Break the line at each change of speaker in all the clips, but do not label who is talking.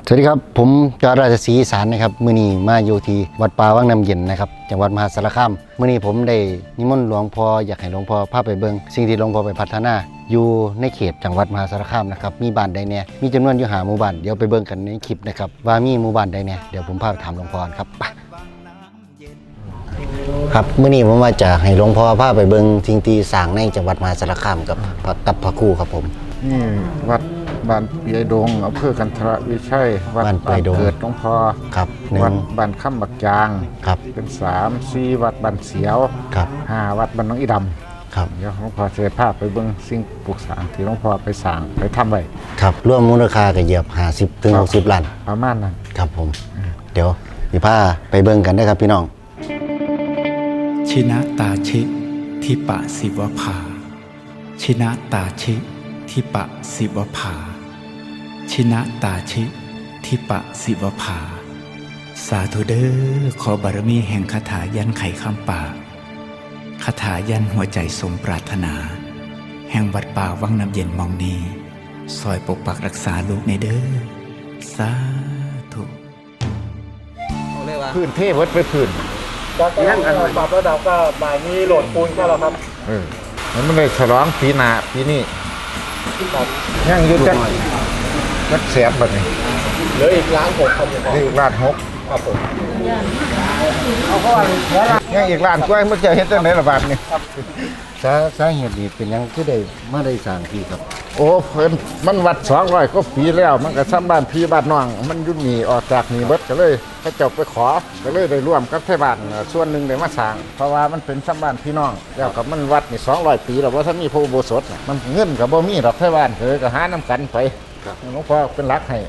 สวัสดีครับผมจอราชศรีอีสานนะครับมื้อนี้มาอยู่ที่วัดป่าวังน้ำเย็นนะครับจังหวัดมหาสารคามมื้อนี้ผมได้นิมนต์หลวงพ่ออยากให้หลวงพ่อพาไปเบิ่งสิ่งที่หลวงพ่อไปพัฒนาอยู่ในเขตจังหวัดมหาสารคามนะครับมีบ้านใดแน่มีจำนวนอยู่5หมู่บ้านเดี๋ยวไปเบิ่งกันในคลิปนะครับว่ามีหมู่บ้านใดแน่เดี๋ยวผมพาไปถามหลวงพ่อครับไปครับมื้อนี้ผมมาจะให้หลวงพ่อพาไปเบิ่งสิ่งที่สร้างในจังหวัดมหาสารคามกับพระครูครับผม
นี่วัดบ้านเปียดงอำเภอกันทรวิชัยวัดบ้านเกิดหลวงพ่อ
ครับ
วัดบ้านค่ำบักจาง
ครับ
เป็น3-4วัดบ้านเสียว
ครับ
5วัดบ้านน้องอีดำ
ครับ
เดี๋ยวหลวงพ่อจะพาไปเบิ่งสิ่งปลูกสร้างที่หลวงพ่อไปสร้างไปทำไว้
ครับรวมมูลค่าก็เหยียบ50 ถึง 60 ล้าน
ประมาณนั้น
ครับผมเดี๋ยวสิพาไปเบิ่งกันได้ครับพี่น้อง
ชินะตาชิทิปะสิวภาชินะตาชิทิปะสิวภาชินะตาชิทิปะสิวภาสาธุเด้อขอบารมีแห่งคาถายันไขคำป่าคาถายันหัวใจสมปรารถนาแห่งวัดป่าวังน้ำเย็นมองนีซอยปกปักรักษาลูกในเด้อสาธุ
พื้นเทพวัดไปพื้น
แล้วก็ปรับระดับก็บ่ายนี้โหลดปูนแค่แล้วครับ
มันเลยฉลองปีหน้าปีนี้ยังอยู่จักแสนบัดนี้
เหลืออีก1,600,000ครับ
นี่อีก1,600,000
ครับผม
ยังอีก1,000,000กว่ามันจะเฮ็ดจังได๋ล่ะบาดนี้
สาเหตุนี้เป็นยังคือได้มาได้สร้างที่ครับ
โอ้เพิ่นมันวัด200กว่าปีแล้วมันก็ซ้ำบ้านพี่บ้านน้องมันอยู่นี่ออกจากนี่เบิดก็เลยเขาเจ้าไปขอก็เลยได้ร่วมกับไทบ้านส่วนหนึ่งได้มาสร้างเพราะว่ามันเป็นซ้ำบ้านพี่น้องแล้วก็มันวัดนี่200ปีแล้วว่าถ้ามีพระอุโบสถมันเงินก็บ่มีดอกไทบ้านก็หาน้ำกันไปหลวงพ่อเป็นหลักให้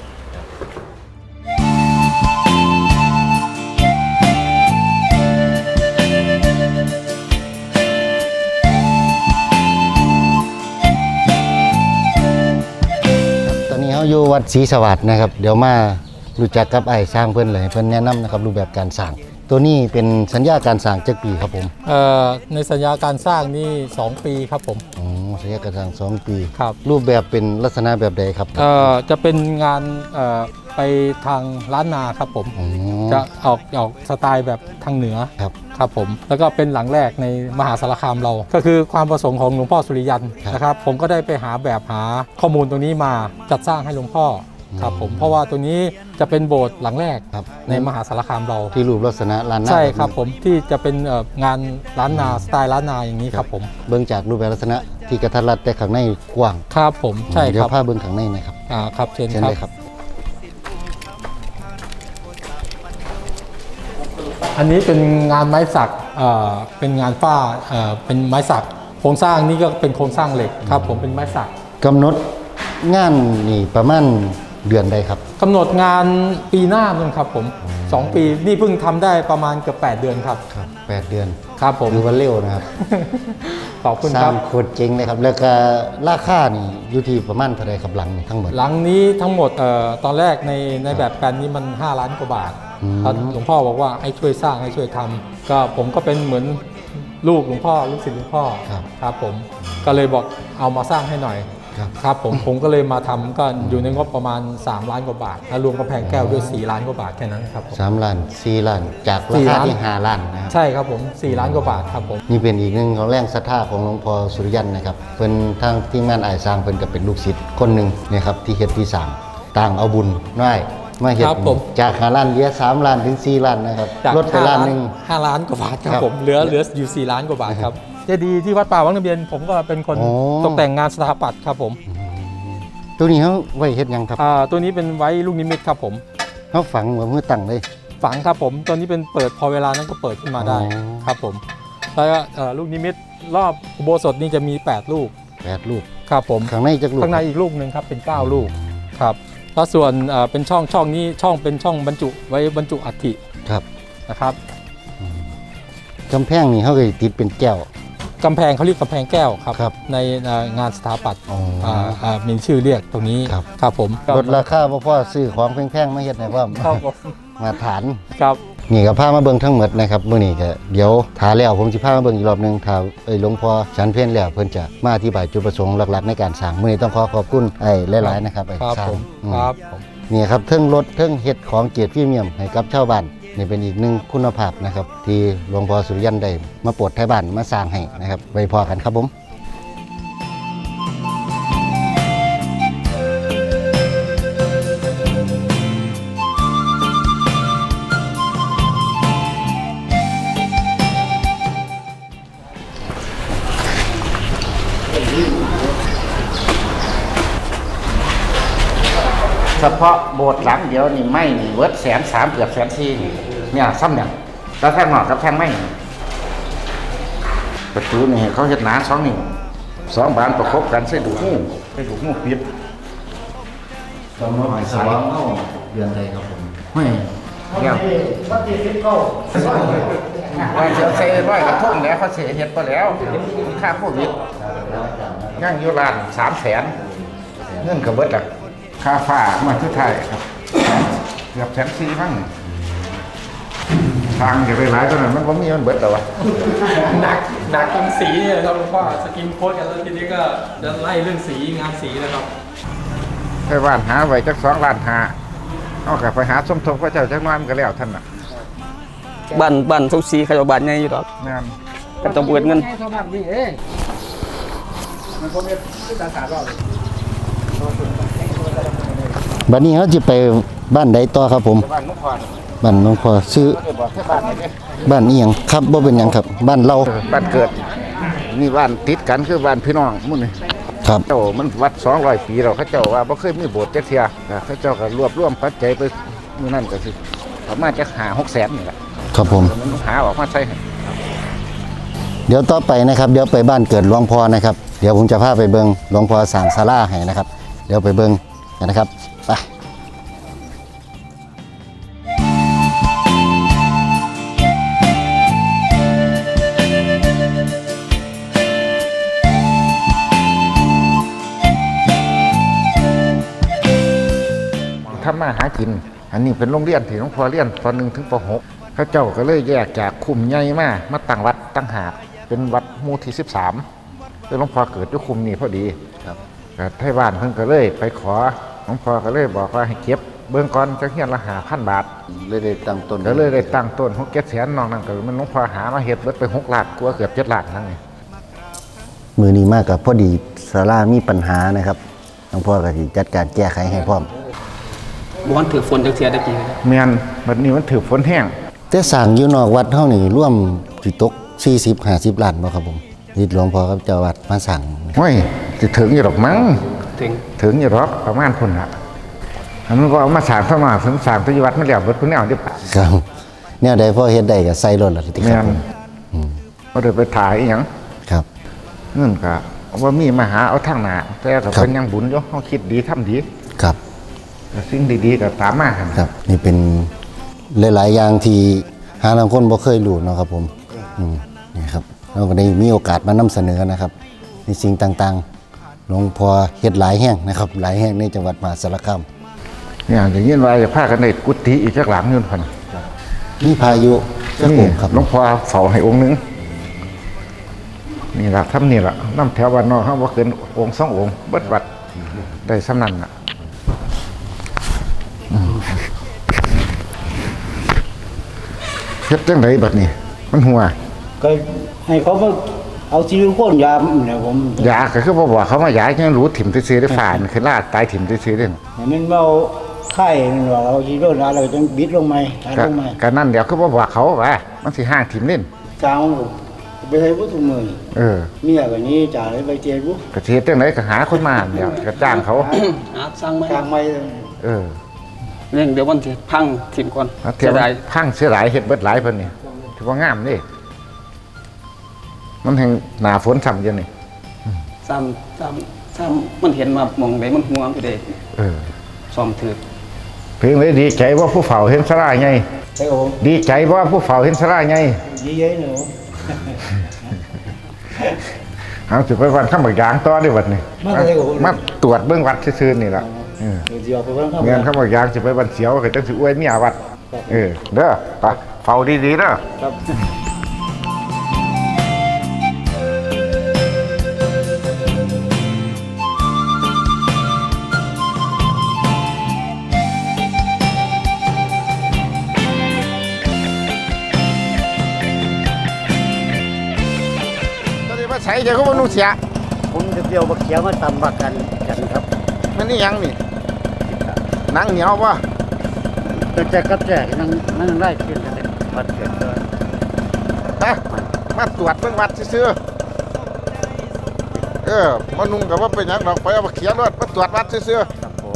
อยู่วัดศรีสวัสดิ์นะครับเดี๋ยวมารู้จักกับไอ้สร้างเพิ่นเลยเพิ่นแนะนำนะครับรูปแบบการสร้างตัวนี้เป็นสัญญาการสร้างจักปีครับผม
ในสัญญาการสร้างนี่2 ปีครับผม
อ๋อสัญญาการสร้าง2 ปี
ครับ
รูปแบบเป็นลักษณะแบบใดครับ
จะเป็นงานไปทางล้านนาครับผมจะออกสไตล์แบบทางเหนือครับผมแล้วก็เป็นหลังแรกในมหาสารคามเราก็คือความประสงค์ของหลวงพ่อสุริยันนะครับผมก็ได้ไปหาแบบหาข้อมูลตรงนี้มาจัดสร้างให้หลวงพ่อครับผมเพราะว่าตัวนี้จะเป็นโบสถ์หลังแรกในมหาสารคามเรา
ที่รูปลักษณะล้านนา
ใช่ครับผมที่จะเป็นงานล้านนาสไตล์ล้านนาอย่างนี้ครับผม
เบื้องจากรูปแบบลักษณะที่กระทัดรัดแต่ข้างในกว้าง
ครับผมใช่ครับ
เดี๋ยวพาเบื้องข้างในนะครับ
ครับเชิญครับอันนี้เป็นงานไม้สักเป็นงานฝ้าเป็นไม้สักโครงสร้างนี่ก็เป็นโครงสร้างเหล็กครับผมเป็นไม้สัก
กำหนดงานนี่ประมาณเดือนใดครับ
กำหนดงานปีหน้านึงครับผม2 ปีนี่เพิ่งทำได้ประมาณเกือบ8 เดือนครับ
8 เดือน
ครับผม
ถือว่าเร็วนะครับ
ขอบคุณครับ
โคตรเจ๋งเลยครับแล้วก็ราคานี่อยู่ที่ประมาณเท่าไรครับหลังทั้งหมด
หลังนี้ทั้งหมดตอนแรกในแบบแปลนนี้มัน5 ล้านกว่าบาทหลวงพ่อบอกว่าให้ช่วยสร้างให้ช่วยทำก็ผมก็เป็นเหมือนลูกหลวงพ่อลูกศิษย์หลวงพ่อครับผมก็เลยบอกเอามาสร้างให้หน่อยครับผมก็เลยมาทำก็อยู่ในงบประมาณ3 ล้านกว่าบาทแล้วรวมกำแพงแก้วด้วย4 ล้านกว่าบาทแค่นั้นครับ
3 ล้าน4 ล้านจากราคาที่5 ล้านนะครับ
ใช่ครับผม4 ล้านกว่าบาทครับผม
นี่เป็นอีกหนึ่งของแรงศรัทธาของหลวงพ่อสุริยันนะครับเป็นทางทีมงานอ้ายสร้างเป็นกับเป็นลูกศิษย์คนหนึ่งนะครับที่เฮ็ดที่3ต่างเอาบุญน้อยมาเฮ็ดจาก5 ล้านเหลือ3 ล้านถึง4 ล้านนะครับลดไปล้านนึง
5 ล้านกว่าบาทครับผมเหลืออยู่4 ล้านกว่าบาทครับเจดีย์ที่วัดป่าวังน้ำเย็นผมก็เป็นคนตกแต่งงานสถาปัตย์ครับผม
ตัวนี้เขาไว้เฮ็ดยังครับ
ตัวนี้เป็นไว้ลูกนิมิตครับผม
เขาฝังเหมือนมือตั้งเลย
ฝังครับผมตัวนี้เป็นเปิดพอเวลานั้นก็เปิดขึ้นมาได้ครับผมแล้วก็ลูกนิมิตรอบอุโบสถนี่จะมี8 ลูกครับผม
ข้างในจักลูก
ข้างในอีกลูกนึงครับเป็น9 ลูกครับแล้วส่วนเป็นช่องนี้เป็นช่องบรรจุไว้บรรจุอัฐิ
ครับ
นะครับ
กำแพงนี่เขาเคยติดเป็นแก้ว
กำแพงเขาเรียกกำแพงแก้วครับในงานสถาปัตย์มีชื่อเรียกตรงนี้ครับผม
ลดราคาเพราะซื้อของแพงๆมาเฮ็ดให้พร้อมมาฐาน
ครับ
นี่ก็พามาเบิ่งทั้งหมดนะครับมื้อนี้ก็เดี๋ยวถาแล้วผมสิพามาเบิ่งอีกรอบหนึงถ้าหลวงพ่อฉันเพลแล้วเพิ่นจะมาอธิบายจุดประสงค์หลักๆในการสร้างมื้อนี้ต้องขอบคุณหลายๆนะครับ
ครับ
สร้าง
ผม
อืม
ครับผม
นี่ครับเทิงรถเทิงเฮ็ดของเกียรติพรีเมียมให้กับชาวบ้านนี่เป็นอีกหนึ่งคุณภาพนะครับที่หลวงพ่อสุริยันได้มาโปรดไทยบ้านมาสร้างให้นะครับไว้พอกันครับผม
เฉพาะโบสถ์หลังเดียวนี่ไม่นี่เวิร์ด130,000เกือบ140,000นี่เนี่ยซ้ำเนี่ยแล้วแท่งหนอกกับแท่งไม่นี่ประตูนี่เขาเฮ็ดหนา2 นิ้ว2 บานประกบกันใส่ดูกงูปิด
ต้องมาหอยสว่างเฮาเดือนใดครับผม
เฮ้ยเดี๋ยวว่าจะใส่ร้อยกระทงแล้วเขาเสียเฮ็ดไปแล้วค่าโควิดย่างอยู่ร้าน300,000เงินก็เบิดละค่าฟ้ามาที่ไทยครับเกือบ140,000มั้งทางจะไปหลายตอนนั้นมันบ่มีมันเบิดแล้ววะ
หนักตรงสีเนี่ยครับหลวงพ่อสกินโค้ดกันแล้วทีนี้ก็จะไล่เรื่องสีงานสีนะครับ
ไปบ้านหาไว้จัก2 ล้าน5เอากลับไปหาสมทบพระเจ้าจักน้อยมันก็แล้วท่านน่ะ
บ้านทุกสีเขาจะบ้านใหญ่อยู่ดอก
งาน
ก็ต้องเบิดเงิน
บัดนี้เฮาสิไปบ้านใดต่อครับผม
บ้านนุพร
บ้านหลวงพ่อซื้อ
ก็ได้บอกให้บ้านนี่เด้
บ้านอีหยังครับบ่เป็นหยังครับบ้านเรา
บ้านเกิดนี่บ้านติดกันคือบ้านพี่น้องหมุ่นนี่
ครับ
เจ้ามันวัด200 ปีแล้วเขาเจ้าว่าบ่เคยมีโบสถ์จักเที่ยเขาเจ้าก็รวบรวมปัจจัยไปมื้อนั้นก็สิประมาณจัก5-6แสนนี่แหละ
ครับผม
มันหาออกมาใช้ให้
เดี๋ยวต่อไปนะครับเดี๋ยวไปบ้านเกิดหลวงพ่อนะครับเดี๋ยวผมจะพาไปเบิงหลวงพ่อสร้างศาลาให้นะครับเดี๋ยวไปเบิงกันนะครับไป
ทำมาหากิน อันนี้เป็นโรงเรียนที่หลวงพ่อเรียนป .1 ถึงป .6 เขาเจ้าก็เลยแยกจากคุมใหญ่มาตั้งวัดตั้งหากเป็นวัดหมู่ที่13คือหลวงพ่อเกิดอยู่คุมนี้พอดี
ครับ
ก็ไทบ้านเพิ่นก็เลยไปขอหลวงพ่อก็เลยบอกว่าให้เก็บเบื้องก่อนจักเฮียนละ5,000 บาท
เลยได้ตั้งต้น
ก็เลยได้ตั้งต้น6 7แสนนอกนั้นก็มันหลวงพ่อหามาเฮ็ดเบิดไป6 ล้านกว่าเกือบ7 ล้านนั่นไง
มือนี้มากกับพอดีศาลามีปัญหานะครับหลวงพ่อก็สิจัดการแก้ไขให้พร้อม
บ้านถือฝนจักเทียได้กี่นะครับ
แม่นบัดนี้มันถือฝนแห้ง
แต่สร้างอยู่นอกวัดเฮานี่ร่วมสิตก40-50 ล้านบ่ครับผมที่หลวงพ่อกับเจ้าวัดมาสั่ง
โอ้ยสิถึงอยู่ดอกมั้ง
ถึง
ถึงอยู่ดอกประมาณพุ่นน่ะอันนั้นก็เอามาสร้างเข้ามาถึงสร้างที่วัดมันแล้วเบิดพุ่นแนวเดิ
ครับแนวใดพอเฮ็ดได้ก็ใส่รถล่ะติค
แม่
รับ
น
ผม
บ่ได้ไปถ่ายอีหยัง
ครับ
เงินก็ว่ามีมาหาเอาทางหน้าแต่ก็เป็นยังบุญอยู่เฮาคิดดีทำดี
ครับ
สิ่งดีๆก็ตามมาหั่น
ครับนี่เป็นหลายๆอย่างที่หาบางคนบ่เคยรู้เนาะครับผมนี่ครับเราก็ได้มีโอกาสมานำเสนอนะครับในสิ่งต่างๆหลวงพ่อเฮ็ดหลายแห่งนะครับหลายแห่งในจังหวัดมหาสารคาม
เนี่ยได้ยินว่าจะพากันได้กุฏิอีกจักหลังอยู่พุ่น
มีพายุจัก
นี่
องค์ครับ
หลวงพ่อเฝ้าให้องค์หนึงนี่ล่ะทำนี่ล่ะนำแถวบ้านนอกเฮาบ่เกินองค์2 องค์เบิดวัดได้สำนั้นน่ะเฮ็ดจังไดบัดนี้มันหัว
ก็ให้เขามาเอาซิลิโคนยาเนี่ยผม
ยาก็คือบ่บอกเขาว่ายาจังรู้ถิ่มซื่อๆได้ฝ่านคือลาดตายถิ่มซื่อๆเด้
เห็นมันเอาไข่มันว่าเอาซิลิโคนยาเราต้องบิดลงมาหาลงมา
ก็นั่นเดี๋ยวคือบ่บอกเขาว่ามันสิห่างถิ่มเล่น
กลางไปให้ผู้ทุกมือ
เออ
เมียก็นี้จ่าเลยไปเจอผู้
ก็สิเฮ็ดจังไดก็หาคนมาเดี๋ยวก็จ้างเขา
สร้างไหม
กลางไม่
เออ
เรื่องเดี๋ยววันที่พังทีมก่อน
แล้วเที่ยว
จะได้
พังเสียหลายเฮ็ดเบิดหลายเพิ่นนี่ถือว่างามเด้มันแห่งหน้าฝนซ้ำอยู่นี่
ซ้ำมันเห็นมามองได้มันห่วงไปเด้
เออ
ซ่อมถือ
เพียงเลยดีใจว่าผู้เฝ้าเห็นสลาไง
ใช่ผม
ดีใจว่าผู้เฝ้าเห็นสลาไง
ดีเย้หนู
เอาสิไปวันข้ามบักยางต่อได้บัดนี้มาตรวจเบิ่งวัดซื่อๆนี่ล่ะเออ
เดี๋ยวไปเพิ่มเข้า
เงินข้ามบักยางสิไปวันเสียวก็จังสิอวยเมียวัดเออเด้อไปเฝ้าดีๆเด้อ
ครับ
ตอนนี้มาใส่เดี๋ยวก็มานุ่งเสีย
ผมจะเดียวบักเขียวมาตำบักกันครับ
มันนี่ยังนี่หนังเหนียวป่ะ
แต่แจกกับแจกนั่งได้ขึ้นกันเลยวัดเกิดเลย
ฮะมาตรวจเบิ่งวัดซื่อๆมานุ่งกับว่าเป็นหยังดอกไปเอามาเขียนรถมาตรวจวัดซื่อ
ครับผม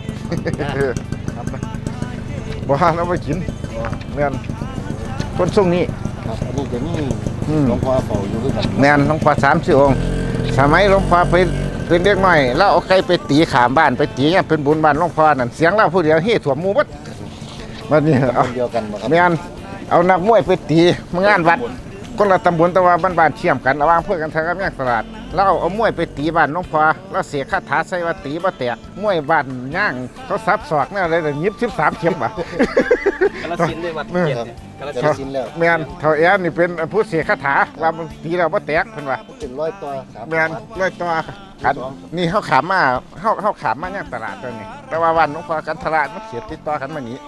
ๆบ่หาเอาไปกินแม่นคนทรงนี้
ครับอันนี้จะมี
อืม
หลวงพ่อเฝ้าอยู่คือกัน
แม่นหลวงพ่อ30 องค์สมัยหลวงพ่อไปเป็นเด็กน้อยแล้วเอาไก่ไปตีขามบ้านไปตีเนี่ยเป็นบุญบ้านหลวงพ่อนั่นเสียงเราผู้เดียวเฮ้ถ่วมหมู่บัดบัดนี้เอา
คนเดียวกันบ่ครับ
แม่นเอานักมวยไปตีมางานวัดคนละตำบลแต่ว่าบ้านๆเชื่อมกันระหว่างเพื่อกันทางกับแยกตลาดแล้วเอามวยไปตีบ้านหลวงพ่อแล้วเสียคาถาใส่ว่าตีบ่แตกมวยบ้านย่างเขาซับศอกแนวอะไรน่ะยิบ13เข็มบ่
กาฬสินธุ์ได้วัดเกียรติเนี่ยกาฬ
จะ
สินธุ์
ได้สิ้นแล้ว
แม่นเท่าแอนนี่เป็นผู้เสียคาถาว่ามันตีแล้วบ่แตกเพิ่นว่า
เป็นร้อยตัวสาม
แม่นร้อยตัวกันนี่เฮาขามมาเฮาขามมาย่างตลาดตัวนี้แต่ว่าวันหลวงพ่อกันตลาดมันเสียติดต่อกันมานี้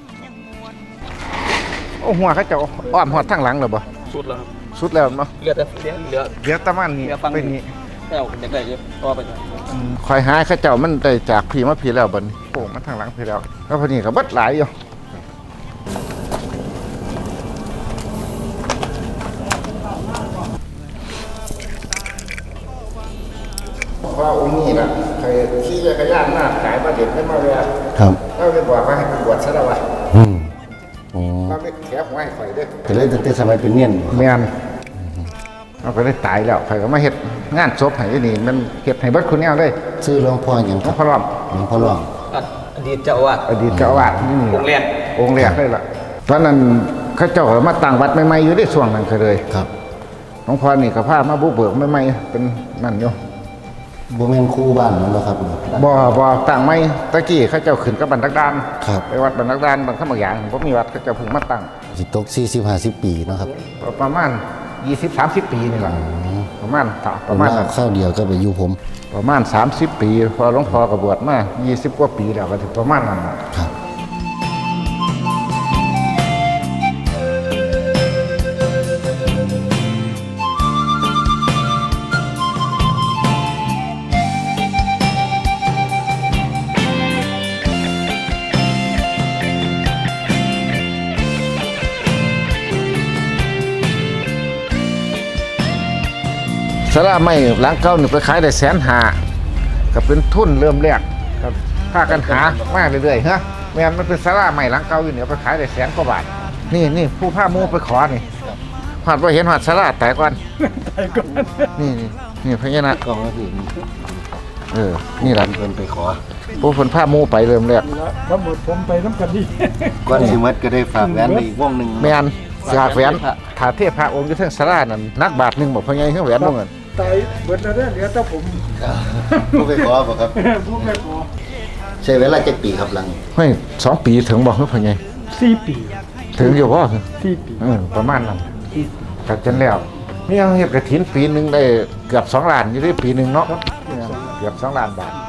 โอ้หัวเขาเจะอ้อมหอดทางหลังแล้วบ่
สุดแล้วครับ
สุดแล้วเนาะ
เหลือแต่เหลือ
เดี๋ยวตะมันนี่
เดี๋ยวฟัง
เป็นนี้
แต้วอยากได้เยอะต่อไปหน่อย
คอยหาเขาเจ้ามันได้จากพี่มาพี่แล้วบัดนี้โอ้มันทางหลังพี่แล้วแล้วพอนี้ก็เบิดหลายอยู่ว่าองค์นี้น่ะเคยขี่จักรยานมาขายมาเด็ดไม่มาเวีย
ครับ
เราเลยบอกว่าให้ไปบวชซะแล้ววะ
อืมอ๋อ
เราไม่แถหัวให้ข่อยเด้อ
แต่เลยตั้งแต่สมัยเป็นเนียน
แม่นเราก็ได้ตายแล้วข่อยก็มาเฮ็ดงานศพให้อยู่นี่มันเฮ็ดให้เบิดคุณแนวเลย
ชื่อหลวงพ่อหยัง
หล
คว รั
ง
บ
พ่อรอม
หลวงพ่อหลวง
อดีตเจ้าอาวาส
อดีตเจ้าอาวาสนี่
องค์แรก
องค์แรกเลยล่ะตอนนั้นเขาเจ้าก็มาตั้งวัดใหม่ๆอยู่ได้ช่วงนั้นก็เลย
ครับ
หลวงพ่อนี่ก็พามาบุกเบิกใหม่ๆเป็นนั่นอยู่
บ่แม่นครูบ้านนั่นบ่ครับ
บ่ตั้งใหม่ตะกี้เขาเจ้าขึ้นกับบันทักดาน
ครับ
ไปวัดบันทักดานบางคำบางอย่างบ่มีวัดเขาเจ้าเพิ่งมาตั้ง
สิตก40-50 ปีเนาะครับ
ประมาณ20-30 ปีนี่ล่ะประมาณ
ป
ประ ระ
มา
มา
ณ
ณนั้น
ข้าวเดียวก็ไปอยู่ผม
ประมาณ30 ปีพอหลวงพ่อก็บวชมา20 กว่าปีแล้วก็ถึงประมาณนั้นน่ะ
ครับ
สาราไม้หลังเก่านี่ไปขายได้150,000ก็เป็นทุนเริ่มแรกก็พากันหามาเรื่อยๆฮะแม่นมันเป็นสาราไม้หลังเก่าอยู่เนี่ยไปขายได้100,000 กว่าบาทนี่ผู้พาหมู่ไปขอนี่หอดบ่เห็นหอดสาราแต่ก่อนนี่พญานาค
กล้องก็คือ
นี่ล่ะ
เพิ่นไปขอ
ผู้เพิ่นพาหมู่ไปเริ่มแรก
ทั้งหมดผมไปน้ำกันนี่
ก่อนสิหมดก็ได้ฝากแหวนไปอีกวงหนึง
แม่นสากแหวนถาเทพพระองค์อยู่เทิงสารานั่นนักบาทหนึงบ่พญาเฮือแหวนบ่เงิน
ตายเบิดแล้วเหลือแต่ผม
ผู้ไปขอบ่ครับ
ผู้แม่ขอ
ใช้เวลาจักปีครับหลัง
เฮ้ย2 ปีถึงบ่เฮือพญา
4 ปี
ถึงอยู่บ่
4 ปี
ประมาณนั้นก็จนแล้วนี่เอาเฮ็ดกฐินปีหนึงได้เกือบ2 ล้านอยู่ได้ปีหนึงเนาะเกือบ2 ล้านบาท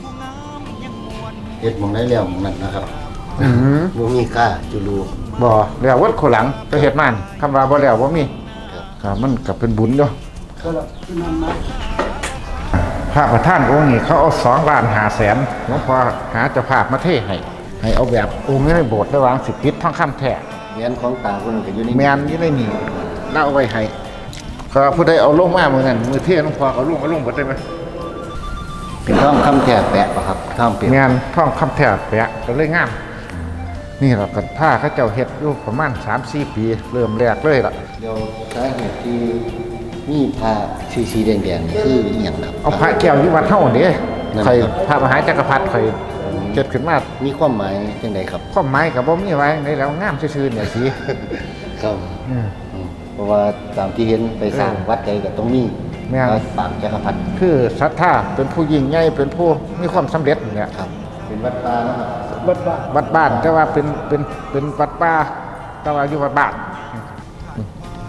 เฮ็ดหมองได้แล้วหม้องนั้นนะครับ
อือ
บ่มีค่าจุลู
บ่แล้ววัดโคหลังก็เฮ็ดมันคำว่าบ่แล้วบ่มี
ครับ
ครับมันก็เป็นบุญเนาะ
ก็ละคือนั่นนะ
พระประธานองค์นี้เขาเอา2,500,000หลวงพ่อหาเจ้าภาพมาเทให้เอาแบบองค์นี้ในโบสถ์ได้วางสิปิดทองคำแท้
แหวนของตาคนนั้นก็อยู่ใน
แม่นอยู่ในนี่แล้วเอาไว้ให้ก็ผู้ใดเอาลงมามื้อนั้นมื้อเทหลวงพ่อเอาลงเบิดได้มั้ย
เป็นทองคำแท้แปะป่ะครับทองเปรียบ
แม่นทองคำแท้แปะก็เลยงามนี่ล่ะก็ผ้าเขาเจ้าเฮ็ดอยู่ประมาณ 3-4 ปีเริ่มแรกเลยล่ะ
เดี๋ยวสาเหตุที่มีผ้าสีแดงๆนี่คืออีหยังครับ
เอาพระแก้วอยู่วัดเฮาเด้
นั่น
ใคร
ครับ
พระมหาจักรพรรดิใครเกิดขึ้นมา
มีความหมายจังไดครับ
ความหมายก็บ่มีไว้ในแล้วงามซื่อๆเนี่ยสิ
ครับเพราะว่าตามที่เห็นไปสร้างวัดใดก็ต้องมี
แม่น
พระปางจักรพรรดิ
คือศรัทธาเป็นผู้ยิ่งใหญ่เป็นผู้มีความสำเร็จเนี่ย
ครับ เป็นวัดป่านะครับ
บัดบ้าน
วัดบ้านแต่ว่าเป็นวัดป่าแต่ว่าอยู่วัดบ้าน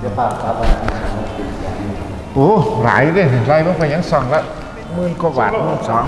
เดี๋ยวป้าครับ
โอ้หลายเลยไรมันไปยัง2ละ10,000 กว่าบาท12,000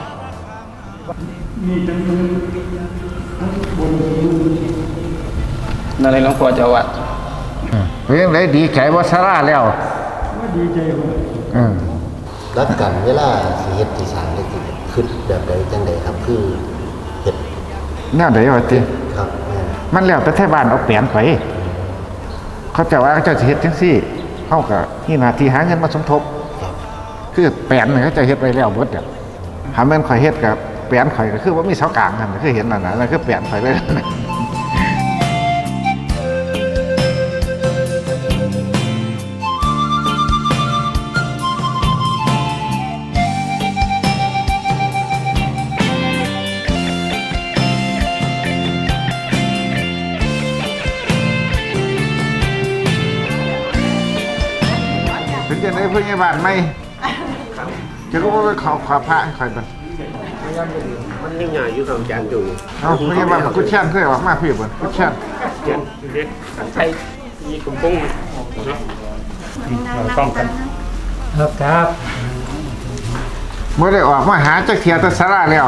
นั่นเลยหลวงพ่อเจ้าวัด
เป็นยังไงดีใจว่าซาร่าแล้วดีใจอืม
รักกันเวลาสิเฮ็ดที่สร้างได้ติคือแบบใดจังใดครับคือเฮ็ด
แนวใดวะติ
ครับ
มันแล้วแต่ไทบ้านเอาแปลนไป เขาจะว่าเขาจะเฮ็ดจังซี่เฮาก็นี่หน้าที่หาเงินมาสมทบ คือแปลนนี่เขาจะเฮ็ดไว้แล้วเบิดอ่ะถ้าแม่นข่อยเฮ็ดกับแปลนข่อยก็คือว่ามีเสากลางนั่นคือเห็นนั่นน่ะนั่นคือแปลนข่อยเลยนะ เป็นจังได๋เพิ่นยังบ้านใหม่จะรู้ว่าเขาขอพระให้ข่อยเบิ่ง
มันยังไงอยู่กับอาจารย์อยู่
เอ้าเพิ่นยังบ้านกุดแช่นเคยออกมาพี่เบิ่งกุดแช่น
เด็กเด็กใช้ยีกุ่มปุ้งเนาะต้องกัน
ครับ
บ่ได้ออกมาหาจักเที่ยแต่สาราแล้ว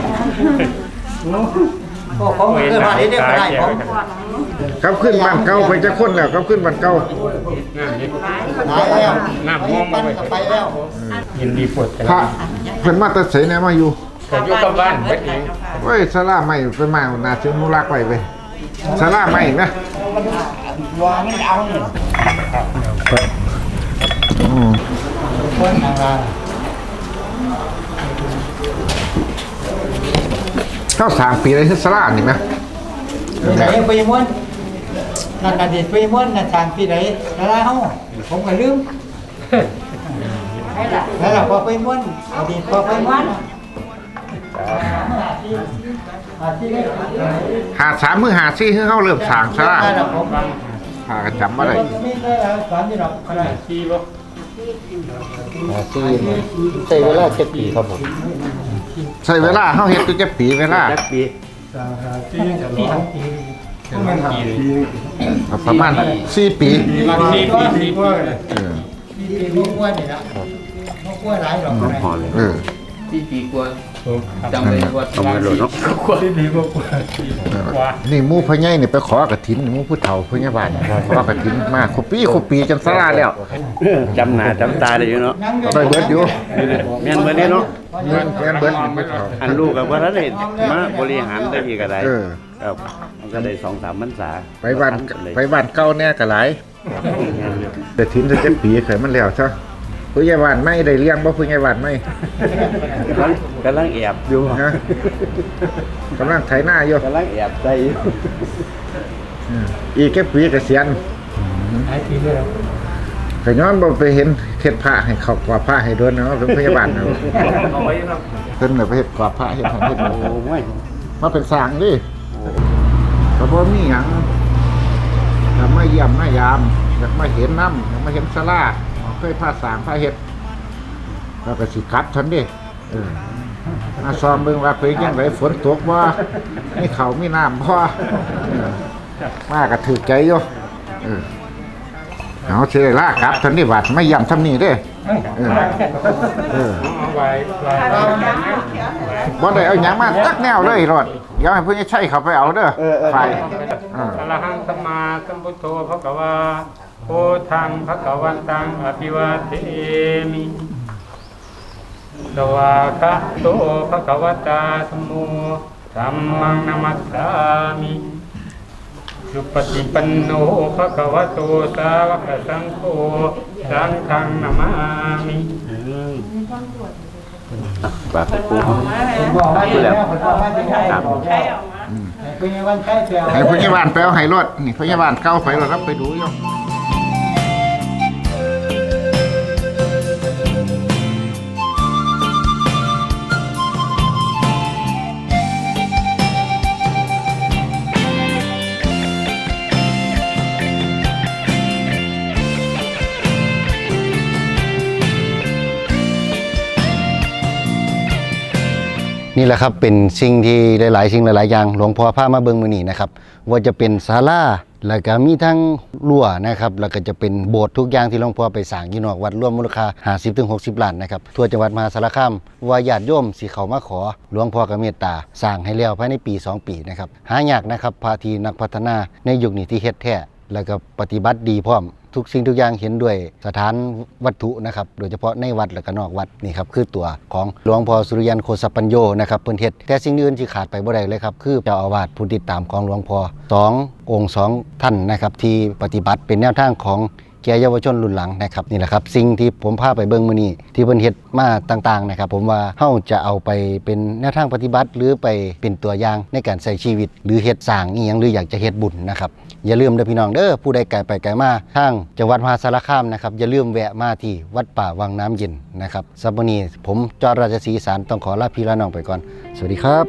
ก็ผมเคยมาได้ก็ได้ผม
กลับขึ้นบ้านเก่าไปจักคนแล้วกลับขึ้นบ้านเก่า
ตายแล้ว
น้ำม่วง
ปั้นก็ไปแล้ว
ยินดีปวด
พระเพิ่นมาแต่ไสแนมาอยู่
แต่อยู่กับบ้านเบ็ดเอง
เว้ยสาราใหม่ไปมาน่าสิอนุรักษ์ไว้เว้ยสาราใหม่นะ
วางไม่เอาเนี่ยคนทางร้าน
เข้าสร้างปีอะไรคือสารานี่มั้ย
ไหนไปม้วนนั่นน่ะเด็ดไปม้วนน่ะทางที่ไหนแล้วเฮาผมก็ลืมแล้วล่ะพอไปม้วนอดีตพอไปม้วน
หา3มื้อหา4คือเฮาเริ่มสร้างสารา
ได้แล้วผม
หาก็จำบ่ได้
ไม่ได้สอนที่ดอกอะไร
ที่บ่
ใช้เวลา7ปีครับผม
ใช้เวลาเฮาเฮ็ดอยู่จักปีเวลา
จักปี
ประมาณ4 ปี
4 ปี
เออ
มีม้วนนี่นะม้วนหลายดอกอะไร
เออ
4 ปีกว่าจำเลยว่า
ต้องมาโหลดเนาะว่า
นี่หมู่พ่อใหญ่นี่ไปขอกฐินหมู่ผู้เฒ่าพยาบาลขอกฐินมาครบปีจนสาราแล้ว
จำหน้าจำตาได้อยู่เนาะ
ได้เบิดอยู่
แม่นเบิดเนาะ
เงินแกนเบิดนี่ผู้เฒ่า
อันลูกกับว่าท่านได้มาบริหารได้อีกอะไร
เออ
ครับมันก็ได้2-3พรรษา
ไปบ้านเก่าแน่ก็หลายแต่ถิ่นจะ7 ปีเคยมันแล้วซะผู้ใหญ่บ้านไม่ได้เลี้ยงบ่ผู้ใหญ่บ้านไม่
กำลังแอบอยู่
นะกำลังไถนาอยู่
กำลังแอบใจอยู่
อีกแค่ปีเกษียณ
หลายปีแล้ว
ก็ย้อนบ่ไปเห็นเฮ็ดพระให้เขากว่าพระให้โดนเนาะเป็นพยาบาลเนาะ
เอาไว้ครับ
เพิ่นน่ะไปเฮ็ดกว่าพระเฮ็ดให้เฮ็ด
โอ้ย
มาเป็นสร้างดิก็บ่มีหยังถ้ามาเยี่ยมมายามอยากมาเห็นน้ำอยากมาเห็นศาลาเคยพาสร้างพาเฮ็ดแล้วก็สิกลับทันดิมาซ้อมเบิ่งว่าเป็นจังไดฝนตกบ่มีข้าวมีน้ำบ่มาก็ถูกใจอยู่เอาสิได้ลากลับทันดิบาดไม่ย่ำทำนี่เด้
เอาไว้
บ่ได้เอาหยังมาจักแนวเลยรอดเดี๋ยวให้เพิ่นใช้เขาไปเอาเด้อไฟ
อะระหังสัมมาสัมพุทโธภควาโพธังภควันตังอภิวาเทมิสวากขาโตภควตาธัมโมธัมมังนัมมัสสามิสุปฏิปันโนภควโตสาวกสังโฆสังฆังนามามิปากปู
ผมบอกว่าอยู่แล้วผมบอกว่าจะใช้คุณยังวันใช้เปล่า
ให้พยาบาลไปเอาให้รถนี่พยาบาลเก่าไปรถรับไปดูอยู่
นี่แหละครับเป็นสิ่งที่หลายๆสิ่งหลายๆอย่างหลวงพ่อพามาเบิ่งมื้อนี้นะครับว่าจะเป็นศาลาแล้วก็มีทั้งรั้วนะครับแล้วก็จะเป็นโบสถ์ทุกอย่างที่หลวงพ่อไปสร้างอยู่นอกวัดรวมมูลค่า 50-60 ล้านนะครับทั่วจังหวัดมหาสารคามว่าญาติโยมสิเข้ามาขอหลวงพ่อก็เมตตาสร้างให้แล้วภายในปี 2 ปีนะครับหายากนะครับพาทีนักพัฒนาในยุคนี้ที่เฮ็ดแท้แล้วก็ปฏิบัติดีพร้อมทุกสิ่งทุกอย่างเห็นด้วยสถานวัตถุนะครับโดยเฉพาะในวัดและก็นอกวัดนี่ครับคือตัวของหลวงพ่อสุริยันโคสปัญโยนะครับเพิ่นเฮ็ดแต่สิ่งอื่นที่ขาดไปบ่ได้เลยครับคือเจ้าอาวาสผู้ติดตามของหลวงพ่อ2 องค์ 2 ท่านนะครับที่ปฏิบัติเป็นแนวทางของแก่เยาวชนรุ่นหลังนะครับนี่แหละครับสิ่งที่ผมพาไปเบิ่งมื้อนี้ที่เพิ่นเฮ็ดมาต่างๆนะครับผมว่าเฮาจะเอาไปเป็นแนวทางปฏิบัติหรือไปเป็นตัวอย่างในการใช้ชีวิตหรือเฮ็ดสร้างอีหยังหรืออยากจะเฮ็ดบุญนะครับอย่าลืมเด้อพี่น้องเด้อผู้ใดไกลไปไกลมาทางจังหวัดมหาสารคามนะครับอย่าลืมแวะมาที่วัดป่าวังน้ำเย็นนะครับสำหรับวันนี้ผมจอราชสีอีสานต้องขอลาพี่ลาน้องไปก่อนสวัสดีครับ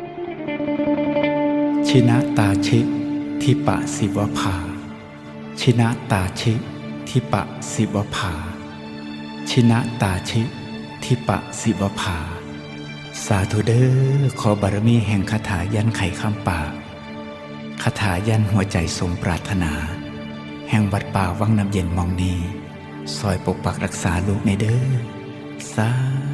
ชินะตาชิทิปะสิวภาชินะตาชิทิปะสิวภาชินะตาชิทิปะสิวภาสาธุเด้อขอบารมีแห่งคาถายันไขคำปากคาถายันหัวใจสมปรารถนา แห่งวัดป่าวังน้ำเย็นมองนีซอยปกปักรักษาลูกในเด้อสา